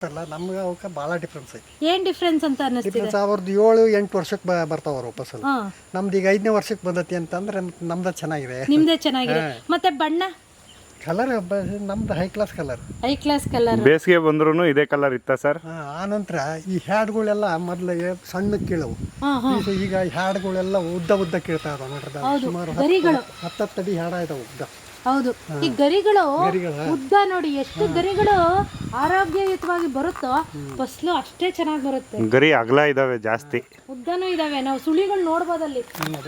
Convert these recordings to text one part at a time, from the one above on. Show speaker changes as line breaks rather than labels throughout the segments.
ಅಲ್ಲ ನಮ್ಗೆ ಅವಕ್ಕೆ ಭಾಳ ಡಿಫ್ರೆನ್ಸ್ ಐತಿ.
ಏನ್ ಡಿಫ್ರೆನ್ಸ್ ಅಂತ ಅನ್ನಿಸ್ತಿದೆ?
ಡಿಫ್ರೆನ್ಸ್ ಅವ್ರದ್ದು 7-8 ವರ್ಷಕ್ಕೆ ಬರ್ತಾವ ಅವ್ರು ವಾಪಸ್. ನಮ್ದು ಈಗ 5ನೇ ವರ್ಷಕ್ಕೆ ಬಂದತಿ ಅಂತಂದ್ರೆ ನಮ್ದು ಚೆನ್ನಾಗಿದೆ.
ನಿಮ್ದೇ ಚೆನ್ನಾಗಿದೆ. ಮತ್ತೆ ಬಣ್ಣ
ಕಲರ್ ನಮ್ದು high class colour.
High class colour.
ಬೇಸಿಗೆ ಬಂದ್ರು ಇದೇ ಕಲರ್ ಇತ್ತ ಸರ್?
ಆ ನಂತರ ಈ ಹ್ಯಾಡ್ಗಳೆಲ್ಲ ಮೊದಲು ಸಣ್ಣ ಕೀಳವು, ಈಗ ಹ್ಯಾಡ್ಗಳೆಲ್ಲ ಉದ್ದ ಕೀಳ್ತಾ ಇದಾವೆ ನೋಡ್ರಿ. ಸುಮಾರು 10 ಅಡಿ ಹ್ಯಾಡ ಇದಾವೆ ಉದ್ದ.
ಹೌದು, ಈ ಗರಿಗಳು ಉದ್ದ ನೋಡಿ, ಎಷ್ಟು ಗರಿಗಳು ಆರೋಗ್ಯಯುತವಾಗಿ ಬರುತ್ತೋ ಫಸಲು ಅಷ್ಟೇ ಚೆನ್ನಾಗಿ ಬರುತ್ತೆ.
ಗರಿ ಅಗಲ ಇದಾವೆ, ಜಾಸ್ತಿ
ಉದ್ದನೂ ಇದಾವೆ. ನಾವು ಸುಳಿಗಳು ನೋಡ್ಬೋದಲ್ಲಿ.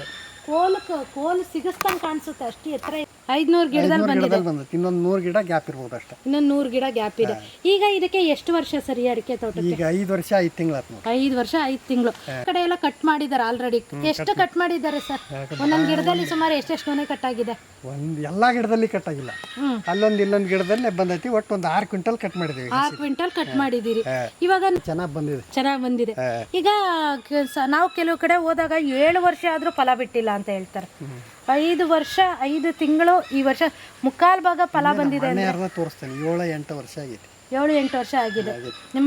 ಕೋಲು ಸಿಗಸ್ತಂಗ್ ಕಾಣಿಸುತ್ತೆ, ಅಷ್ಟು ಎತ್ತರ. 500 ಗಿಡದಲ್ಲಿ ಬಂದಿದೆ.
ಇನ್ನೊಂದು 100 ಗಿಡ ಗ್ಯಾಪ್ ಇರ್ಬೋದು ಅಷ್ಟೇ.
ಇನ್ನೊಂದು 100 ಗಿಡ ಗ್ಯಾಪ್ ಇದೆ. ಈಗ ಇದಕ್ಕೆ ಎಷ್ಟು ವರ್ಷ ಸರಿ ಅಡಿಕೆ ತೋಟಕ್ಕೆ?
ಈಗ 5 ವರ್ಷ 5 ತಿಂಗಳು.
5 ವರ್ಷ 5 ತಿಂಗಳು. ಕಡೆ ಎಲ್ಲ ಕಟ್ ಮಾಡಿದ್ದಾರೆ ಆಲ್ರೆಡಿ. ಎಷ್ಟು ಕಟ್ ಮಾಡಿದ್ದಾರೆ ಸರ್? ಒಂದೊಂದು ಗಿಡದಲ್ಲಿ ಸುಮಾರು ಎಷ್ಟೆಷ್ಟು ಗೊನೆ ಕಟ್ ಆಗಿದೆ?
ಎಲ್ಲಾ ಗಿಡದಲ್ಲಿ ಕಟ್ ಆಗಿಲ್ಲ, ಅಲ್ಲೊಂದು ಇಲ್ಲೊಂದು ಗಿಡದಲ್ಲೇ ಬಂದೈತಿ. ಒಟ್ಟು ಒಂದು 6 ಕ್ವಿಂಟಲ್ ಕಟ್ ಮಾಡಿದೀವಿ.
6 ಕ್ವಿಂಟಲ್ ಕಟ್ ಮಾಡಿದ್ದೀರಿ. ಇವಾಗ ಚೆನ್ನಾಗಿ ಬಂದಿದೆ. ಈಗ ನಾವು ಕೆಲವು ಕಡೆ ಹೋದಾಗ 7 ವರ್ಷ ಆದ್ರೂ ಫಲ ಬಿಟ್ಟಿಲ್ಲ ಅಂತ ಹೇಳ್ತಾರೆ. 5 ವರ್ಷ 5 ತಿಂಗಳು, ಈ ವರ್ಷ ಮುಕ್ಕಾಲ್ ಭಾಗ ಫಲ ಬಂದಿದೆ.
ತೋರಿಸ್ತೇನೆ. 7-8 ವರ್ಷ ಆಗಿದೆ.
7-8 ವರ್ಷ ಆಗಿದೆ. ನಿಮ್ಮ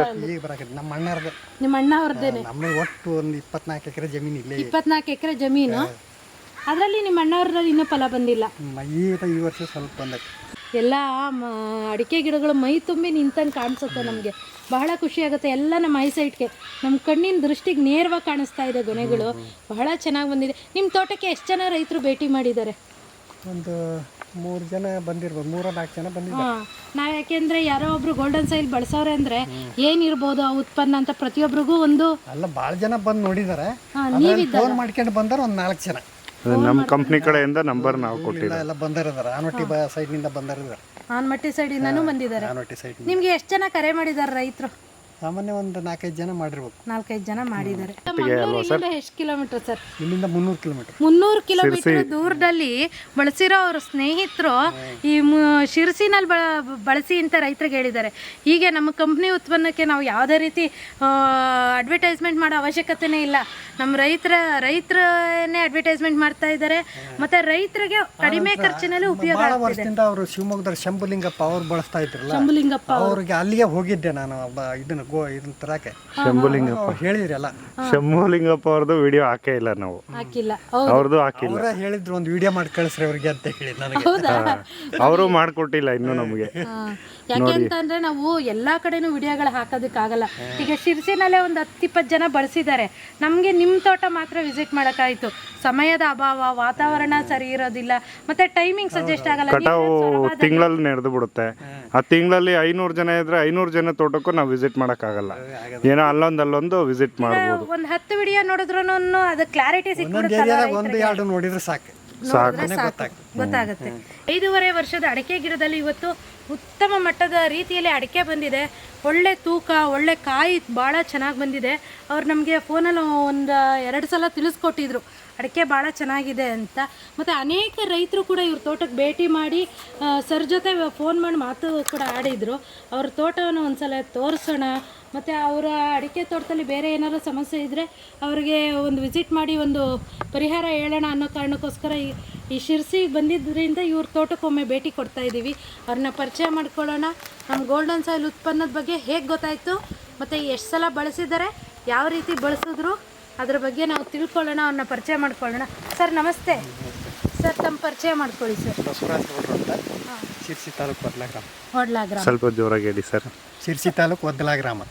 ನಿಮ್ಮ ಅಣ್ಣ ಅವ್ರದ್ದೇನೆ.
ನಮ್ಮ ಒಟ್ಟು ಒಂದು 24 ಎಕರೆ ಜಮೀನು ಇಲ್ಲೇ.
24 ಎಕರೆ ಜಮೀನು. ಅದರಲ್ಲಿ ನಿಮ್ಮ ಅಣ್ಣವ್ರಲ್ಲಿ ಇನ್ನೂ ಫಲ ಬಂದಿಲ್ಲ.
ಈ ವರ್ಷ ಸ್ವಲ್ಪ ಬಂದೈತೆ.
ಎಲ್ಲ ಅಡಿಕೆ ಗಿಡಗಳು ಮೈ ತುಂಬಿ ನಿಂತಂಗೆ ಕಾಣಿಸುತ್ತೆ. ನಮಗೆ ಬಹಳ ಖುಷಿ ಆಗುತ್ತೆ. ಎಲ್ಲ ನಮ್ಮ ಐಸೈಟ್ಗೆ, ನಮ್ಮ ಕಣ್ಣಿನ ದೃಷ್ಟಿಗೆ ನೇರವಾಗಿ ಕಾಣಿಸ್ತಾ ಇದೆ ಗೊನೆಗಳು. ಬಹಳ ಚೆನ್ನಾಗಿ ಬಂದಿದೆ. ನಿಮ್ಮ ತೋಟಕ್ಕೆ ಎಷ್ಟು ಜನ ರೈತರು ಭೇಟಿ ಮಾಡಿದ್ದಾರೆ?
ಒಂದು 3 ಜನ ಬಂದಿರ್ಬೋದು, 3-4 ಜನ ಬಂದಿದ್ದಾರೆ.
ನಾವು ಯಾಕೆಂದ್ರೆ ಯಾರೋ ಒಬ್ರು ಗೋಲ್ಡನ್ ಸೈಲ್ ಬಳಸೋರೆ ಅಂದ್ರೆ ಏನಿರ್ಬೋದು ಆ ಉತ್ಪನ್ನ ಅಂತ ಪ್ರತಿಯೊಬ್ಬರಿಗೂ ಒಂದು
ಅಲ್ಲ, ಭಾಳ ಜನ ಬಂದು ನೋಡಿದ್ದಾರೆ. ಫೋನ್ ಮಾಡ್ಕೊಂಡು ಬಂದಾರ ಒಂದು 4 ಜನ.
ನಮ್ಮ ಕಂಪ್ನಿ ಕಡೆಯಿಂದ ನಂಬರ್ ನಾವು ಕೊಟ್ಟಿಲ್ಲ.
ಎಲ್ಲ ಬಂದಿದ್ದಾರೆ. ಆನವಟ್ಟಿ ಸೈಡ್ ನಿಂದ ಬಂದಿದ್ದಾರೆ.
ಆನಮಟ್ಟಿ ಸೈಡ್ ಇಂದನೂ ಬಂದಿದ್ದಾರೆ. ನಿಮ್ಗೆ ಎಷ್ಟು ಜನ ಕರೆ ಮಾಡಿದ್ದಾರೆ ರೈತರು?
ಸಾಮಾನ್ಯ ಒಂದು 4-5 ಜನ ಮಾಡಿರ್ಬೇಕು.
4-5 ಜನ ಮಾಡಿದ್ದಾರೆ. ಎಷ್ಟು ಕಿಲೋಮೀಟರ್ ಸರ್? ಇಲ್ಲಿಂದ
300 ಕಿಲೋಮೀಟರ್.
300 ಕಿಲೋಮೀಟರ್ ದೂರದಲ್ಲಿ ಬಳಸಿರೋ ಅವ್ರ ಸ್ನೇಹಿತರು ಈ ಶಿರಸಿನಲ್ಲಿ ಬಳಸಿ ಅಂತ ರೈತರಿಗೆ ಹೇಳಿದ್ದಾರೆ. ಹೀಗೆ ನಮ್ಮ ಕಂಪ್ನಿ ಉತ್ಪನ್ನಕ್ಕೆ ನಾವು ಯಾವುದೇ ರೀತಿ ಅಡ್ವರ್ಟೈಸ್ಮೆಂಟ್ ಮಾಡೋ ಅವಶ್ಯಕತೆನೇ ಇಲ್ಲ. ನಮ್ಮ ರೈತರನ್ನೇ ಅಡ್ವರ್ಟೈಸ್ಮೆಂಟ್ ಮಾಡ್ತಾ ಇದ್ದಾರೆ. ಮತ್ತೆ ರೈತರಿಗೆ ಕಡಿಮೆ ಖರ್ಚಿನಲ್ಲಿ ಉಪಯೋಗ ಆಗ್ತಿದೆ.
ಅವರು ಶಿವಮೊಗ್ಗದ ಶಂಭುಲಿಂಗಪ್ಪ ಅವ್ರು ಬಳಸ್ತಾ ಇದ್ರಲ್ಲ,
ಶಂಭುಲಿಂಗಪ್ಪ
ಅವ್ರಿಗೆ ಅಲ್ಲಿಗೆ ಹೋಗಿದ್ದೆ ನಾನು. ಇದನ್ನ ತರಕ್ಕೆ
ಶಂಭುಲಿಂಗಪ್ಪ
ಹೇಳಿದ್ರಲ್ಲ,
ಶಂಭುಲಿಂಗಪ್ಪ ಅವ್ರದ್ದು ವಿಡಿಯೋ ಹಾಕೇ ಇಲ್ಲ ನಾವು.
ಹಾಕಿಲ್ಲ.
ಅವ್ರದ್ದು ಹಾಕಿಲ್ಲ.
ಅವರೇ ಹೇಳಿದ್ರು ಒಂದು ವಿಡಿಯೋ ಮಾಡಿ ಕಳಿಸ್ರಿ ಅವ್ರಿಗೆ ಅಂತ ಹೇಳಿ ನನಗೆ.
ಅವರು ಮಾಡ್ಕೊಟ್ಟಿಲ್ಲ ಇನ್ನು ನಮಗೆ.
ಯಾಕೆ ಅಂತಂದ್ರೆ ನಾವು ಎಲ್ಲಾ ಕಡೆನೂ ವಿಡಿಯೋಗಳು ಹಾಕೋದಕ್ಕಾಗಲ್ಲ. ಈಗ ಶಿರ್ಸಿನಲ್ಲೇ ಒಂದು 10-20 ಜನ ಬಳಸಿದ್ದಾರೆ. ನಮ್ಗೆ ನಿಮ್ಮ ತೋಟ ಮಾತ್ರ ವಿಸಿಟ್ ಮಾಡೋಕ್ಕಾಯ್ತು. ಸಮಯದ ಅಭಾವ, ವಾತಾವರಣ ಸರಿ ಇರೋದಿಲ್ಲ, ಮತ್ತೆ ಟೈಮಿಂಗ್ ಸಜೆಸ್ಟ್ ಆಗಲ್ಲ.
ಕಟಾವು ತಿಂಗಳಲ್ಲಿ ನಡೆದು ಬಿಡುತ್ತೆ. ಆ ತಿಂಗಳಲ್ಲಿ 500 ಜನ ಇದ್ರೆ 500 ಜನ ತೋಟಕ್ಕೂ ನಾವು ವಿಸಿಟ್ ಮಾಡೋಕ್ಕಾಗಲ್ಲ. ಏನೋ ಅಲ್ಲೊಂದು ವಿಸಿಟ್ ಮಾಡ್ಬೋದು.
ಒಂದು 10 ವಿಡಿಯೋ ನೋಡಿದ್ರು ಅದು ಕ್ಲಾರಿಟಿ ಸಿಕ್ಬಿಡುತ್ತೆ.
1-2 ನೋಡಿದ್ರೆ ಸಾಕು,
ಗೊತ್ತಾಗುತ್ತೆ. 5.5 ವರ್ಷದ ಅಡಿಕೆ ಗಿಡದಲ್ಲಿ ಇವತ್ತು ಉತ್ತಮ ಮಟ್ಟದ ರೀತಿಯಲ್ಲಿ ಅಡಿಕೆ ಬಂದಿದೆ. ಒಳ್ಳೆ ತೂಕ, ಒಳ್ಳೆ ಕಾಯಿ ಭಾಳ ಚೆನ್ನಾಗಿ ಬಂದಿದೆ. ಅವ್ರು ನಮಗೆ ಫೋನಲ್ಲಿ 1-2 ಸಲ ತಿಳಿಸ್ಕೊಟ್ಟಿದ್ರು ಅಡಿಕೆ ಭಾಳ ಚೆನ್ನಾಗಿದೆ ಅಂತ. ಮತ್ತು ಅನೇಕ ರೈತರು ಕೂಡ ಇವ್ರ ತೋಟಕ್ಕೆ ಭೇಟಿ ಮಾಡಿ ಸರ್ ಜೊತೆ ಫೋನ್ ಮಾಡಿ ಮಾತು ಕೂಡ ಆಡಿದರು. ಅವ್ರ ತೋಟವನ್ನು ಒಂದ್ಸಲ ತೋರಿಸೋಣ, ಮತ್ತು ಅವರ ಅಡಿಕೆ ತೋಟದಲ್ಲಿ ಬೇರೆ ಏನಾದರೂ ಸಮಸ್ಯೆ ಇದ್ದರೆ ಅವ್ರಿಗೆ ಒಂದು ವಿಸಿಟ್ ಮಾಡಿ ಒಂದು ಪರಿಹಾರ ಹೇಳೋಣ ಅನ್ನೋ ಕಾರಣಕ್ಕೋಸ್ಕರ ಈ ಶಿರ್ಸಿಗೆ ಬಂದಿದ್ದರಿಂದ ಇವ್ರ ತೋಟಕ್ಕೊಮ್ಮೆ ಭೇಟಿ ಕೊಡ್ತಾ ಇದ್ದೀವಿ. ಅವ್ರನ್ನ ಪರಿಚಯ ಮಾಡ್ಕೊಳ್ಳೋಣ. ನಮ್ಮ ಗೋಲ್ಡನ್ ಸಾಯಿಲ್ ಉತ್ಪನ್ನದ ಬಗ್ಗೆ ಹೇಗೆ ಗೊತ್ತಾಯಿತು, ಮತ್ತು ಎಷ್ಟು ಸಲ ಬಳಸಿದ್ದಾರೆ, ಯಾವ ರೀತಿ ಬಳಸಿದ್ರು, ಅದ್ರ ಬಗ್ಗೆ ನಾವು ತಿಳ್ಕೊಳ್ಳೋಣ, ಅವ್ರನ್ನ ಪರಿಚಯ ಮಾಡ್ಕೊಳ್ಳೋಣ. ಸರ್ ನಮಸ್ತೆ. ಸರ್ ತಮ್ಮ ಪರಿಚಯ ಮಾಡ್ಕೊಳ್ಳಿ ಸರ್.
ಶಿರ್ಸಿ ತಾಲೂಕು
ಹೊಡ್ಲಾ ಗ್ರಾಮ.
ಸ್ವಲ್ಪ ಜೋರಾಗಿ ಹೇಳಿ ಸರ್.
ಶಿರ್ಸಿ ತಾಲೂಕು ಒದ್ದಲ ಗ್ರಾಮ.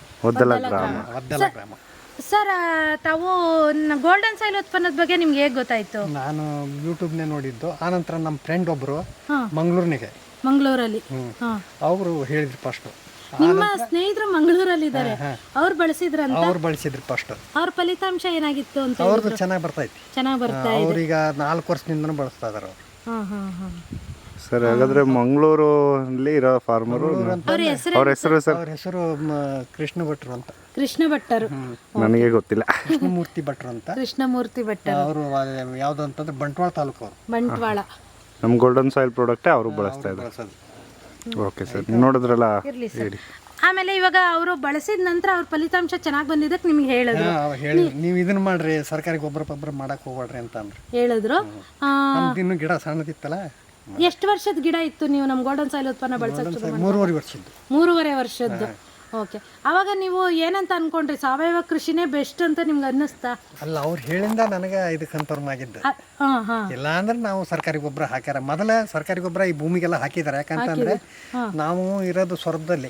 ಸರ್ ತಾವು ಗೋಲ್ಡನ್ ಸಾಯಿಲ್ ಉತ್ಪನ್ನದ ಬಗ್ಗೆ ನಿಮ್ಗೆ ಹೇಗೆ ಗೊತ್ತಾಯ್ತು?
ನಾನು ಯೂಟ್ಯೂಬ್ನೇ ನೋಡಿದ್ದು. ಆನಂತರ ನಮ್ಮ ಫ್ರೆಂಡ್ ಒಬ್ಬರು ಮಂಗಳೂರಲ್ಲಿ ಅವರು ಹೇಳಿದ್ರು ಫಸ್ಟ್.
ನಿಮ್ಮ ಸ್ನೇಹಿತರು ಮಂಗಳೂರಲ್ಲಿ ಇದ್ದಾರೆ, ಅವ್ರು ಬಳಸಿದ್ರಂತ?
ಅವ್ರು ಬಳಸಿದ್ರು ಫಸ್ಟ್.
ಅವ್ರ ಫಲಿತಾಂಶ ಏನಾಗಿತ್ತು ಅಂತ?
ಅವ್ರದ್ದು ಚೆನ್ನಾಗಿ ಬರ್ತಾ
ಇದೆ.
ಅವ್ರೀಗ 4 ವರ್ಷದಿಂದನೂ ಬಳಸ್ತಾ ಇದಾರೆ ಅವರು.
ಸರ್ ಹಾಗಾದ್ರೆ ಮಂಗಳೂರಲ್ಲಿ ಇರೋ ಫಾರ್ಮರು, ಅವ್ರ ಹೆಸರು ಸರ್?
ಅವ್ರ ಹೆಸರು ಕೃಷ್ಣ ಭಟ್ರು ಅಂತ.
ಕೃಷ್ಣ ಭಟ್ಟರು?
ನನಗೆ ಗೊತ್ತಿಲ್ಲ.
ಕೃಷ್ಣಮೂರ್ತಿ ಭಟ್ರು ಅಂತ.
ಕೃಷ್ಣಮೂರ್ತಿ ಭಟ್ಟರು ಅವರು
ಯಾವ್ದು ಅಂತಂದ್ರೆ ಬಂಟ್ವಾಳ ತಾಲೂಕು ಅವರು.
ಬಂಟ್ವಾಳ.
ನಮ್ಮ ಗೋಲ್ಡನ್ ಸಾಯಿಲ್ ಪ್ರಾಡಕ್ಟ್ ಅವರು ಬಳಸ್ತಾ ಇದ್ದಾರೆ. ಓಕೆ ಸರ್, ನೋಡಿದ್ರಲ್ಲ ಹೇಳಿ.
ಆಮೇಲೆ ಇವಾಗ ಅವರು ಬಳಸಿದ ನಂತರ ಅವ್ರ ಫಲಿತಾಂಶ ಚೆನ್ನಾಗಿ ಬಂದಿದ್ದಕ್ಕೆ ನಿಮ್ಗೆ ಹೇಳಿದ್ರು,
ನೀವು ಇದನ್ನ ಮಾಡ್ರಿ, ಸರ್ಕಾರಿ ಗೊಬ್ಬರ ಮಾಡಕ್ ಹೋಗ್ಬೇಡ್ರಿ ಅಂತ ಅಂದ್ರು.
ಹೇಳಿದ್ರು.
ಇನ್ನು ಗಿಡ ಸಣ್ಣದಿತ್ತಲ್ಲ.
ಎಷ್ಟು ವರ್ಷದ ಗಿಡ ಇತ್ತು ನೀವು ನಮ್ಮ ಗೋಲ್ಡನ್ ಸಾಯಿಲ್ ಉತ್ಪನ್ನ ಬಳಸಕ್ಕೆ?
3.5 ವರ್ಷದ್ದು.
3.5 ವರ್ಷದ್ದು. ಓಕೆ. ಅವಾಗ ನೀವು ಏನಂತ ಅನ್ಕೊಂಡ್ರಿ, ಸಾವಯವ ಕೃಷಿನೇ ಬೆಸ್ಟ್ ಅಂತ ನಿಮ್ಗೆ ಅನ್ನಿಸ್ತಾ?
ಅಲ್ಲ, ಅವ್ರು ಹೇಳಿಂದ ನನಗೆ ಇದು ಕನ್ಫರ್ಮ್ ಆಗಿದ್ದು.
ಹಾಂ ಹಾಂ.
ಇಲ್ಲ ಅಂದ್ರೆ ನಾವು ಸರ್ಕಾರಿ ಗೊಬ್ಬರ ಹಾಕ್ಯಾರ, ಮೊದಲ ಸರ್ಕಾರಿ ಗೊಬ್ಬರ ಈ ಭೂಮಿಗೆಲ್ಲ ಹಾಕಿದ್ದಾರೆ. ಯಾಕಂತಂದ್ರೆ ನಾವು ಇರೋದು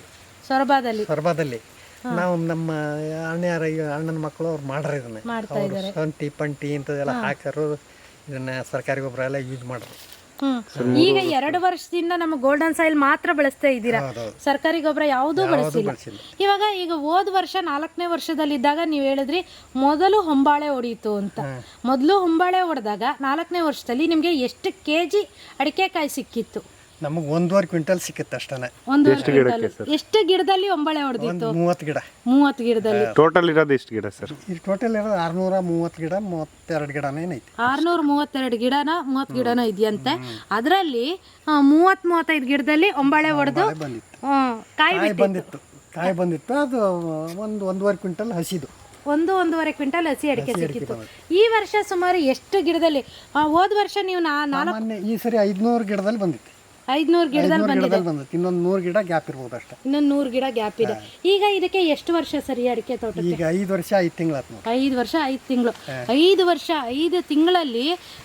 ಸೊರಬದಲ್ಲಿ ನಾವು ನಮ್ಮ ಅಣ್ಣನ ಮಕ್ಕಳು ಅವ್ರು ಮಾಡ್ರಿ ಇದನ್ನ, ಅವ್ರು ಶುಂಠಿ ಪಂಟಿ ಇಂಥದ್ದೆಲ್ಲ ಹಾಕರು, ಇದನ್ನ ಸರ್ಕಾರಿ ಗೊಬ್ಬರ ಎಲ್ಲ ಯೂಸ್ ಮಾಡ್ರು.
ಈಗ 2 ವರ್ಷದಿಂದ ನಮ್ಮ ಗೋಲ್ಡನ್ ಸಾಯಿಲ್ ಮಾತ್ರ ಬಳಸ್ತಾ ಇದ್ದೀರಾ, ಸರ್ಕಾರಿ ಗೊಬ್ಬರ ಯಾವುದೂ ಬಳಸಿಲ್ಲ. ಈಗ ಹೋದ ವರ್ಷ 4ನೇ ವರ್ಷದಲ್ಲಿದ್ದಾಗ ನೀವು ಹೇಳಿದ್ರಿ ಮೊದಲು ಹೊಂಬಾಳೆ ಹೊಡೀತು ಅಂತ. ಮೊದಲು ಹೊಂಬಾಳೆ ಹೊಡೆದಾಗ 4ನೇ ವರ್ಷದಲ್ಲಿ ನಿಮ್ಗೆ ಎಷ್ಟು ಕೆಜಿ ಅಡಿಕೆಕಾಯಿ ಸಿಕ್ಕಿತ್ತು?
ನಮಗೆ 1.5 ಕ್ವಿಂಟಲ್ ಸಿಕ್ಕಿತ್ತು ಅಷ್ಟೇ.
ಎಷ್ಟು ಗಿಡದಲ್ಲಿ ಹೊಂಬಾಳೆ ಹೊಡೆದಿತ್ತು?
30 ಗಿಡ.
30 ಗಿಡದಲ್ಲಿ.
ಟೋಟಲ್ ಇರೋದು ಎಷ್ಟು ಗಿಡ ಸರ್?
ಇಲ್ಲಿ ಟೋಟಲ್ ಇರೋದು 630 ಗಿಡ, 32 ಗಿಡನೇ ಐತಿ.
632 ಗಿಡನ 30 ಗಿಡನ ಇದೆಯಂತೆ. ಅದರಲ್ಲಿ 30-35 ಗಿಡದಲ್ಲಿ ಹೊಂಬಾಳೆ ಹೊಡೆದು ಕಾಯಿ
ಬಂದಿತ್ತು. ಅದು 1.5 ಕ್ವಿಂಟಲ್ ಹಸಿದು,
1.5 ಕ್ವಿಂಟಲ್ ಹಸಿ ಅಡಿಕೆ ಸಿಕ್ಕಿತ್ತು. ಈ ವರ್ಷ ಸುಮಾರು ಎಷ್ಟು ಗಿಡದಲ್ಲಿ? ಹೋದ ವರ್ಷ ನೀವು
ಈ ಸರಿ 500 ಗಿಡದಲ್ಲಿ ಬಂದಿತ್ತು.
500 ಗಿಡದಲ್ಲಿ ಬಂದಿದೆ.
ಇನ್ನೊಂದು 100 ಗಿಡ ಗ್ಯಾಪ್ ಇರ್ಬೋದು ಅಷ್ಟೇ.
ಇನ್ನೊಂದು 100 ಗಿಡ ಗ್ಯಾಪ್ ಇದೆ. ಈಗ ಇದಕ್ಕೆ ಎಷ್ಟು ವರ್ಷ ಸರಿ ಅಡಿಕೆ ತೋಟಕ್ಕೆ?
ಈಗ 5 ವರ್ಷ 5 ತಿಂಗಳು.
5 ವರ್ಷ 5 ತಿಂಗಳು. 5 ವರ್ಷ 5 ತಿಂಗಳಲ್ಲಿ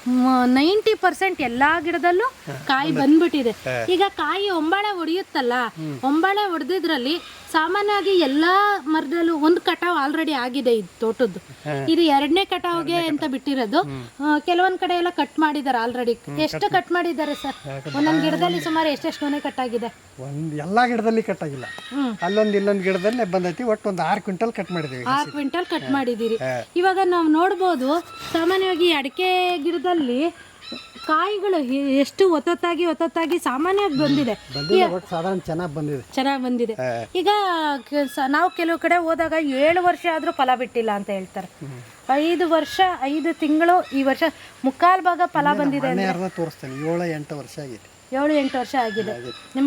90% ಎಲ್ಲಾ ಗಿಡದಲ್ಲೂ ಕಾಯಿ ಬಂದ್ಬಿಟ್ಟಿದೆ. ಈಗ ಕಾಯಿ ಹೊಂಬಾಳೆ ಹೊಡೆಯುತ್ತಲ್ಲ, ಹೊಂಬಾಳೆ ಹೊಡೆದಿದ್ರಲ್ಲಿ ಸಾಮಾನ್ಯವಾಗಿ ಎಲ್ಲಾ ಮರದಲ್ಲೂ ಒಂದು ಕಟಾವ್ ಆಲ್ರೆಡಿ ಆಗಿದೆ. ಇದು ತೋಟದ್ದು ಇದು 2ನೇ ಕಟಾವ್ಗೆ ಅಂತ ಬಿಟ್ಟಿರೋದು. ಕೆಲವೊಂದ್ ಕಡೆ ಎಲ್ಲ ಕಟ್ ಮಾಡಿದ್ದಾರೆ ಆಲ್ರೆಡಿ. ಎಷ್ಟು ಕಟ್ ಮಾಡಿದ್ದಾರೆ ಸರ್? ಒಂದೊಂದು ಗಿಡದಲ್ಲಿ ಸುಮಾರು ಎಷ್ಟೆಷ್ಟು ಮನೆ ಕಟ್ ಆಗಿದೆ?
ಎಲ್ಲಾ ಗಿಡದಲ್ಲಿ ಕಟ್ ಆಗಿಲ್ಲ, ಇಲ್ಲೊಂದು ಗಿಡದಲ್ಲಿ ಬಂದೈತಿ. ಒಟ್ಟು ಒಂದು 6 ಕ್ವಿಂಟಲ್ ಕಟ್ ಮಾಡಿದೀವಿ.
6 ಕ್ವಿಂಟಲ್ ಕಟ್ ಮಾಡಿದ್ದೀರಿ. ಇವಾಗ ನಾವು ನೋಡ್ಬೋದು, ಸಾಮಾನ್ಯವಾಗಿ ಅಡಿಕೆ ಗಿಡದಲ್ಲಿ ಕಾಯಿಗಳು ಎಷ್ಟು ಒತ್ತೊತ್ತಾಗಿ ಸಾಮಾನ್ಯವಾಗಿ ಬಂದಿದೆ.
ಸಾಧಾರಣ ಚೆನ್ನಾಗಿ ಬಂದಿದೆ.
ಈಗ ನಾವು ಕೆಲವು ಕಡೆ ಹೋದಾಗ 7 ವರ್ಷ ಆದ್ರೂ ಫಲ ಬಿಟ್ಟಿಲ್ಲ ಅಂತ ಹೇಳ್ತಾರೆ. 5 ವರ್ಷ 5 ತಿಂಗಳು, ಈ ವರ್ಷ ಮುಕ್ಕಾಲ್ ಭಾಗ ಫಲ ಬಂದಿದೆ.
ತೋರಿಸ್ತೇನೆ, 7-8 ವರ್ಷ ಆಗಿದೆ.
7-8 ವರ್ಷ ಆಗಿದೆ. ನಿಮ್ಮ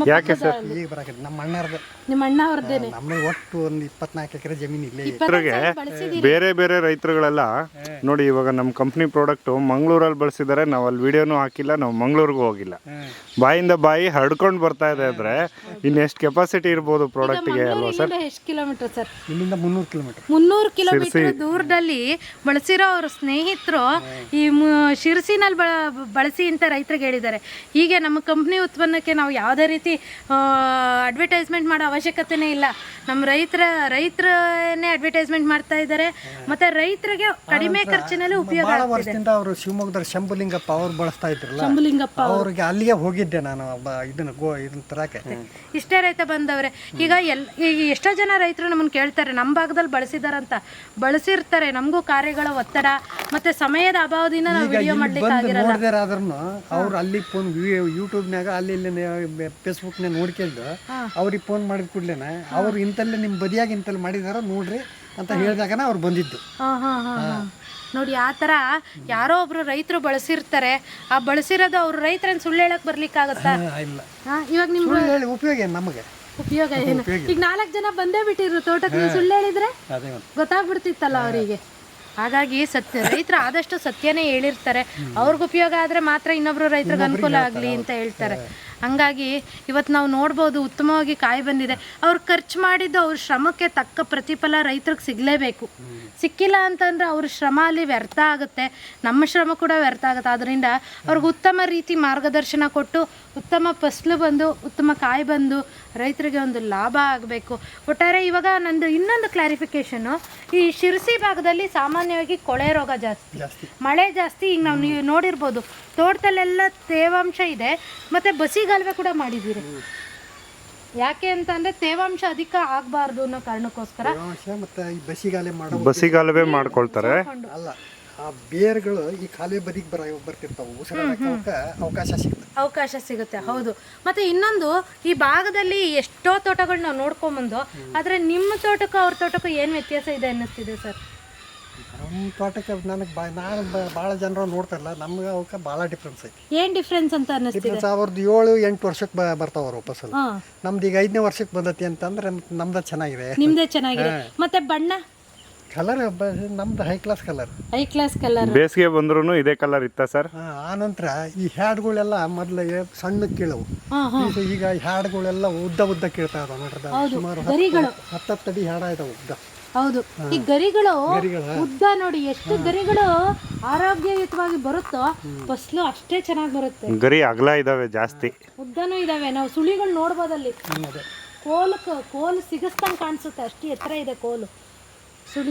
ನಿಮ್ಮ ಅಣ್ಣ ಅವ್ರದ್ದೇನೆ.
ಒಟ್ಟು ಒಂದು 24 ಎಕರೆ ಜಮೀನು ಇಲ್ಲೇ.
ಬೇರೆ ಬೇರೆ ರೈತರುಗಳೆಲ್ಲ ನೋಡಿ, ಇವಾಗ ನಮ್ಮ ಕಂಪ್ನಿ ಪ್ರಾಡಕ್ಟ್ ಮಂಗಳೂರಲ್ಲಿ ಬಳಸಿದ್ದಾರೆ. ನಾವು ಅಲ್ಲಿ ವಿಡಿಯೋನು ಹಾಕಿಲ್ಲ, ನಾವು ಮಂಗಳೂರಿಗೂ ಹೋಗಿಲ್ಲ. ಬಾಯಿಂದ ಬಾಯಿ ಹರಡ್ಕೊಂಡು ಬರ್ತಾ ಇದೆ ಅಂದ್ರೆ ಇನ್ನೆಷ್ಟು ಕೆಪಾಸಿಟಿ ಇರ್ಬೋದು ಪ್ರಾಡಕ್ಟ್ಗೆ ಅಲ್ವಾ ಸರ್?
ಎಷ್ಟು ಕಿಲೋಮೀಟರ್ ಸರ್?
ಇಲ್ಲಿಂದ 300 ಕಿಲೋಮೀಟರ್.
300 ಕಿಲೋಮೀಟರ್ ದೂರದಲ್ಲಿ ಬಳಸಿರೋ ಅವ್ರ ಸ್ನೇಹಿತರು ಈ ಶಿರಸಿನಲ್ಲಿ ಬಳಸಿ ಅಂತ ರೈತರಿಗೆ ಹೇಳಿದ್ದಾರೆ. ಹೀಗೆ ನಮ್ಮ ಕಂಪ್ನಿ ಉತ್ಪನ್ನಕ್ಕೆ ನಾವು ಯಾವುದೇ ರೀತಿ ಅಡ್ವರ್ಟೈಸ್ಮೆಂಟ್ ಮಾಡೋ ಅವಶ್ಯಕತೆನೇ ಇಲ್ಲ. ನಮ್ಮ ರೈತರನ್ನೇ ಅಡ್ವರ್ಟೈಸ್ಮೆಂಟ್ ಮಾಡ್ತಾ ಇದ್ದಾರೆ. ಮತ್ತೆ ರೈತರಿಗೆ ಕಡಿಮೆ ಖರ್ಚಿನಲ್ಲಿ ಉಪಯೋಗ ಆಗ್ತಿದೆ.
ಅವರು ಶಿವಮೊಗ್ಗದ ಶಂಭುಲಿಂಗಪ್ಪ ಅವ್ರು ಬಳಸ್ತಾ ಇದ್ರಲ್ಲ,
ಶಂಭುಲಿಂಗಪ್ಪ
ಅವ್ರಿಗೆ ಅಲ್ಲಿಗೆ ಹೋಗಿದ್ದೆ ನಾನು. ಇದನ್ನ ತರಕ್ಕೆ
ಇಷ್ಟೇ ರೈತ ಬಂದವ್ರೆ. ಈಗ ಎಷ್ಟೋ ಜನ ರೈತರು ನಮ್ಮನ್ನು ಕೇಳ್ತಾರೆ, ನಮ್ಮ ಭಾಗದಲ್ಲಿ ಬಳಸಿದಾರಂತ. ಬಳಸಿರ್ತಾರೆ, ನಮಗೂ ಕಾರ್ಯಗಳ ಒತ್ತಡ ಮತ್ತೆ ಸಮಯದ ಅಭಾವದಿಂದ ನಾವು ವಿಡಿಯೋ ಮಾಡ್ಲಿಕ್ಕೆ ಆಗಿರಲ್ಲ.
ಅವ್ರು ಅಲ್ಲಿ ಫೋನ್ ಯೂಟ್ಯೂಬ್ನಾಗ ಅಲ್ಲಿ ಫೇಸ್ಬುಕ್ನಾಗ ನೋಡ್ಕೊಂಡು ಅವ್ರಿಗೆ ಫೋನ್ ಮಾಡಿದ ಕೂಡಲೇನ ಅವ್ರು ಇಂತಲ್ಲೇ ನಿಮ್ಮ ಬದಿಯಾಗಿ ಇಂತಲ್ಲಿ ಮಾಡಿದಾರ ನೋಡ್ರಿ ಅಂತ ಹೇಳಿದಾಗ ಅವ್ರು ಬಂದಿದ್ದು.
ನೋಡಿ, ಆ ಥರ ಯಾರೋ ಒಬ್ರು ರೈತರು ಬಳಸಿರ್ತಾರೆ. ಆ ಬಳಸಿರೋದು ಅವ್ರು ರೈತರನ್ನ ಸುಳ್ಳು ಹೇಳಕ್ ಬರ್ಲಿಕ್ಕಾಗತ್ತಾ? ಇವಾಗ ನಿಮ್ಗೆ
ಉಪಯೋಗ ಏನು? ನಮಗೆ
ಉಪಯೋಗ ಏನು? ಈಗ 4 ಜನ ಬಂದೇ ಬಿಟ್ಟಿರು ತೋಟಕ್ಕೆ, ನೀವು ಸುಳ್ಳು ಹೇಳಿದ್ರೆ ಗೊತ್ತಾಗ್ಬಿಡ್ತಿತ್ತಲ್ಲ ಅವರಿಗೆ. ಹಾಗಾಗಿ ರೈತರು ಆದಷ್ಟು ಸತ್ಯನೇ ಹೇಳಿರ್ತಾರೆ. ಅವ್ರಿಗೆ ಉಪಯೋಗ ಆದರೆ ಮಾತ್ರ ಇನ್ನೊಬ್ರು ರೈತರಿಗೆ ಅನುಕೂಲ ಆಗಲಿ ಅಂತ ಹೇಳ್ತಾರೆ. ಹಂಗಾಗಿ ಇವತ್ತು ನಾವು ನೋಡ್ಬೋದು, ಉತ್ತಮವಾಗಿ ಕಾಯಿ ಬಂದಿದೆ. ಅವ್ರು ಖರ್ಚು ಮಾಡಿದ್ದು ಅವ್ರ ಶ್ರಮಕ್ಕೆ ತಕ್ಕ ಪ್ರತಿಫಲ ರೈತರಿಗೆ ಸಿಗಲೇಬೇಕು. ಸಿಕ್ಕಿಲ್ಲ ಅಂತಂದರೆ ಅವ್ರ ಶ್ರಮ ಅಲ್ಲಿ ವ್ಯರ್ಥ ಆಗುತ್ತೆ, ನಮ್ಮ ಶ್ರಮ ಕೂಡ ವ್ಯರ್ಥ ಆಗುತ್ತೆ. ಆದ್ದರಿಂದ ಅವ್ರಿಗೆ ಉತ್ತಮ ರೀತಿ ಮಾರ್ಗದರ್ಶನ ಕೊಟ್ಟು ಉತ್ತಮ ಫಸಲು ಬಂದು ಉತ್ತಮ ಕಾಯಿ ಬಂದು ರೈತರಿಗೆ ಒಂದು ಲಾಭ ಆಗಬೇಕು. ಒಟ್ಟಾರೆ ಇವಾಗ ನಂದು ಇನ್ನೊಂದು ಕ್ಲಾರಿಫಿಕೇಷನು, ಈ ಶಿರಸಿ ಭಾಗದಲ್ಲಿ ಸಾಮಾನ್ಯವಾಗಿ ಕೊಳೆ ರೋಗ ಜಾಸ್ತಿ, ಮಳೆ ಜಾಸ್ತಿ. ಈಗ ನಾವು ನೀವು ನೋಡಿರ್ಬೋದು, ತೋಟದಲ್ಲೆಲ್ಲ ತೇವಾಂಶ ಇದೆ. ಮತ್ತು ಬಸಿಗಾಲುವೆ ಕೂಡ ಮಾಡಿದ್ದೀರಿ. ಯಾಕೆ ಅಂತಂದ್ರೆ ತೇವಾಂಶ ಅಧಿಕ ಆಗಬಾರ್ದು ಅನ್ನೋ ಕಾರಣಕ್ಕೋಸ್ಕರ
ಬಸಿಗಾಲುವೆ ಮಾಡ್ಕೊಳ್ತಾರೆ.
ಅಲ್ಲ, ಆ ಬೇರ್ಗಳು ಈ ಕಾಲುವೆ ಬದಿಗೆ ಬರ್ತಿರ್ತಾವೆ, ಉಸಿರಾಡಕ್ಕೆ
ಅವಕಾಶ ಸಿಗುತ್ತೆ. ಹೌದು. ಮತ್ತೆ ಇನ್ನೊಂದು, ಈ ಭಾಗದಲ್ಲಿ ಎಷ್ಟೋ ತೋಟಗಳು ನಾವು ನೋಡ್ಕೊಂಬಂದು, ಆದರೆ ನಿಮ್ಮ ತೋಟಕ್ಕೂ ಅವ್ರ ತೋಟಕ್ಕೂ ಏನು ವ್ಯತ್ಯಾಸ ಇದೆ ಅನ್ನಿಸ್ತಿದೆ ಸರ್?
ನಮ್ಮ ತೋಟಕ್ಕೆ ನಾನು ಭಾಳ ಜನರು ನೋಡ್ತಾರಲ್ಲ, ನಮ್ಗೆ ಅವಕ್ಕೆ ಭಾಳ ಡಿಫ್ರೆನ್ಸ್ ಐತಿ.
ಏನು ಡಿಫ್ರೆನ್ಸ್ ಅಂತ ಅನ್ನಿಸ್ತಿದೆ?
ಅವ್ರದ್ದು 7-8 ವರ್ಷಕ್ಕೆ ಬರ್ತಾವ ಅವ್ರು ಫಸಲು. ನಮ್ದು ಈಗ 5ನೇ ವರ್ಷಕ್ಕೆ ಬಂದತಿ ಅಂತಂದ್ರೆ ನಮ್ದು ಚೆನ್ನಾಗಿದೆ.
ನಿಮ್ದೇ ಚೆನ್ನಾಗಿದೆ. ಮತ್ತೆ ಬಣ್ಣ
ಕಲರ್ ನಮ್ದು high class colour.
High class colour.
ಬೇಸಿಗೆ ಬಂದ್ರೂ ಇದೇ ಕಲರ್ ಇತ್ತಾ ಸರ್?
ಆನಂತರ ಈ ಹ್ಯಾಡ್ಗಳೆಲ್ಲ ಮೊದಲು ಸಣ್ಣ ಕೀಳವು, ಈಗ ಹ್ಯಾಡ್ಗಳೆಲ್ಲ ಉದ್ದ ಕೀಳ್ತಾ ಇದಾವೆ ನೋಡ್ರಿ. ಸುಮಾರು 10 ಅಡಿ ಹ್ಯಾಡ ಇದಾವೆ ಉದ್ದ.
ಹೌದು, ಈ ಗರಿಗಳು ಉದ್ದ ನೋಡಿ, ಎಷ್ಟು ಗರಿಗಳು ಆರೋಗ್ಯಯುತವಾಗಿ ಬರುತ್ತೋ ಫಸಲು ಅಷ್ಟೇ ಚೆನ್ನಾಗಿ ಬರುತ್ತೆ.
ಗರಿ ಅಗಲ ಇದಾವೆ, ಜಾಸ್ತಿ
ಉದ್ದನೂ ಇದಾವೆ. ನಾವು ಸುಳಿಗಳು ನೋಡ್ಬೋದಲ್ಲಿ. ಕೋಲು ಸಿಗಸ್ತಂಗೆ ಕಾಣಿಸುತ್ತೆ, ಅಷ್ಟು ಎತ್ತರ ಇದೆ ಕೋಲು ಸುಳಿ.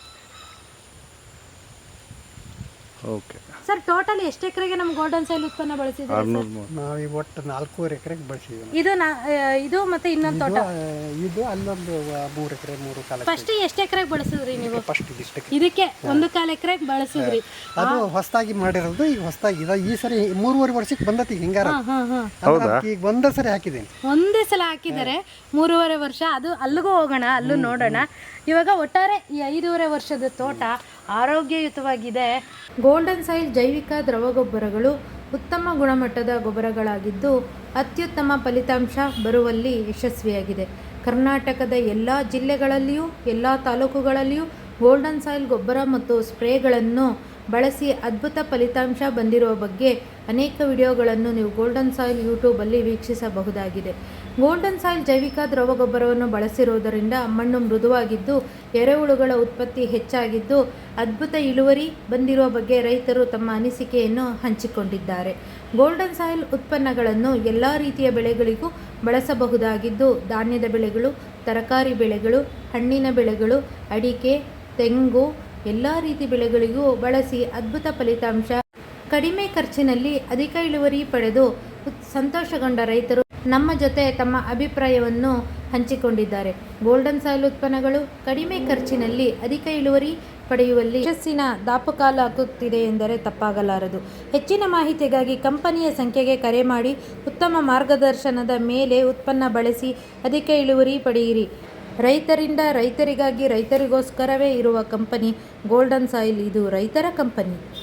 ಓಕೆ
ಸರ್, ಟೋಟಲ್ ಎಷ್ಟು ಎಕರೆಗೆ ನಮ್ಮ ಗೋಲ್ಡನ್ ಸಾಯಿಲ್ ಉತ್ಪನ್ನ ಬಳಸಿದ್ದೀವಿ?
ನಾವು ಒಟ್ಟು 4 ಎಕರೆಗೆ ಬಳಸಿದ್ದೀವಿ.
ಇದು ಮತ್ತೆ ಇನ್ನೊಂದು ತೋಟ,
ಇದು ಅಲ್ಲೊಂದು 3 ಎಕರೆ 3.25.
ಫಸ್ಟ್ ಎಷ್ಟು ಎಕರೆಗೆ ಬಳಸಿದ್ರಿ ನೀವು?
ಫಸ್ಟ್
ಇದಕ್ಕೆ 1.25 ಎಕರೆಗೆ ಬಳಸಿದ್ರಿ.
ಅದು ಹೊಸದಾಗಿ ಮಾಡಿರೋದು. ಈಗ ಹೊಸದಾಗಿ ಈ ಸರಿ 3.5 ವರ್ಷಕ್ಕೆ ಬಂದತಿ ಹಿಂಗಾರ. ಈಗ ಒಂದೇ ಸರಿ ಹಾಕಿದ್ದೀನಿ.
ಒಂದೇ ಸಲ ಹಾಕಿದ್ದಾರೆ, 3.5 ವರ್ಷ. ಅದು ಅಲ್ಲಿಗೂ ಹೋಗೋಣ, ಅಲ್ಲೂ ನೋಡೋಣ. ಇವಾಗ ಒಟ್ಟಾರೆ ಈ 5.5 ವರ್ಷದ ತೋಟ ಆರೋಗ್ಯಯುತವಾಗಿದೆ. ಗೋಲ್ಡನ್ ಸಾಯಿಲ್ ಜೈವಿಕ ದ್ರವ ಗೊಬ್ಬರಗಳು ಉತ್ತಮ ಗುಣಮಟ್ಟದ ಗೊಬ್ಬರಗಳಾಗಿದ್ದು ಅತ್ಯುತ್ತಮ ಫಲಿತಾಂಶ ಬರುವಲ್ಲಿ ಯಶಸ್ವಿಯಾಗಿದೆ. ಕರ್ನಾಟಕದ ಎಲ್ಲ ಜಿಲ್ಲೆಗಳಲ್ಲಿಯೂ ಎಲ್ಲ ತಾಲೂಕುಗಳಲ್ಲಿಯೂ ಗೋಲ್ಡನ್ ಸಾಯಿಲ್ ಗೊಬ್ಬರ ಮತ್ತು ಸ್ಪ್ರೇಗಳನ್ನು ಬಳಸಿ ಅದ್ಭುತ ಫಲಿತಾಂಶ ಬಂದಿರುವ ಬಗ್ಗೆ ಅನೇಕ ವಿಡಿಯೋಗಳನ್ನು ನೀವು ಗೋಲ್ಡನ್ ಸಾಯಿಲ್ ಯೂಟ್ಯೂಬಲ್ಲಿ ವೀಕ್ಷಿಸಬಹುದಾಗಿದೆ. ಗೋಲ್ಡನ್ ಸಾಯಿಲ್ ಜೈವಿಕ ದ್ರವ ಗೊಬ್ಬರವನ್ನು ಬಳಸಿರುವುದರಿಂದ ಮಣ್ಣು ಮೃದುವಾಗಿದ್ದು ಎರೆಹುಳುಗಳ ಉತ್ಪತ್ತಿ ಹೆಚ್ಚಾಗಿದ್ದು ಅದ್ಭುತ ಇಳುವರಿ ಬಂದಿರುವ ಬಗ್ಗೆ ರೈತರು ತಮ್ಮ ಅನಿಸಿಕೆಯನ್ನು ಹಂಚಿಕೊಂಡಿದ್ದಾರೆ. ಗೋಲ್ಡನ್ ಸಾಯಿಲ್ ಉತ್ಪನ್ನಗಳನ್ನು ಎಲ್ಲ ರೀತಿಯ ಬೆಳೆಗಳಿಗೂ ಬಳಸಬಹುದಾಗಿದ್ದು ಧಾನ್ಯದ ಬೆಳೆಗಳು, ತರಕಾರಿ ಬೆಳೆಗಳು, ಹಣ್ಣಿನ ಬೆಳೆಗಳು, ಅಡಿಕೆ, ತೆಂಗು ಎಲ್ಲ ರೀತಿ ಬೆಳೆಗಳಿಗೂ ಬಳಸಿ ಅದ್ಭುತ ಫಲಿತಾಂಶ, ಕಡಿಮೆ ಖರ್ಚಿನಲ್ಲಿ ಅಧಿಕ ಇಳುವರಿ ಪಡೆದು ಸಂತೋಷಗೊಂಡ ರೈತರು ನಮ್ಮ ಜೊತೆ ತಮ್ಮ ಅಭಿಪ್ರಾಯವನ್ನು ಹಂಚಿಕೊಂಡಿದ್ದಾರೆ. ಗೋಲ್ಡನ್ ಸಾಯಿಲ್ ಉತ್ಪನ್ನಗಳು ಕಡಿಮೆ ಖರ್ಚಿನಲ್ಲಿ ಅಧಿಕ ಇಳುವರಿ ಪಡೆಯುವಲ್ಲಿ ಯಶಸ್ಸಿನ ದಾಪುಗಾಲಾಗುತ್ತಿದೆ ಎಂದರೆ ತಪ್ಪಾಗಲಾರದು. ಹೆಚ್ಚಿನ ಮಾಹಿತಿಗಾಗಿ ಕಂಪನಿಯ ಸಂಖ್ಯೆಗೆ ಕರೆ ಮಾಡಿ ಉತ್ತಮ ಮಾರ್ಗದರ್ಶನದ ಮೇಲೆ ಉತ್ಪನ್ನ ಬಳಸಿ ಅಧಿಕ ಇಳುವರಿ ಪಡೆಯಿರಿ. ರೈತರಿಂದ ರೈತರಿಗಾಗಿ ರೈತರಿಗೋಸ್ಕರವೇ ಇರುವ ಕಂಪನಿ ಗೋಲ್ಡನ್ ಸಾಯಿಲ್. ಇದು ರೈತರ ಕಂಪನಿ.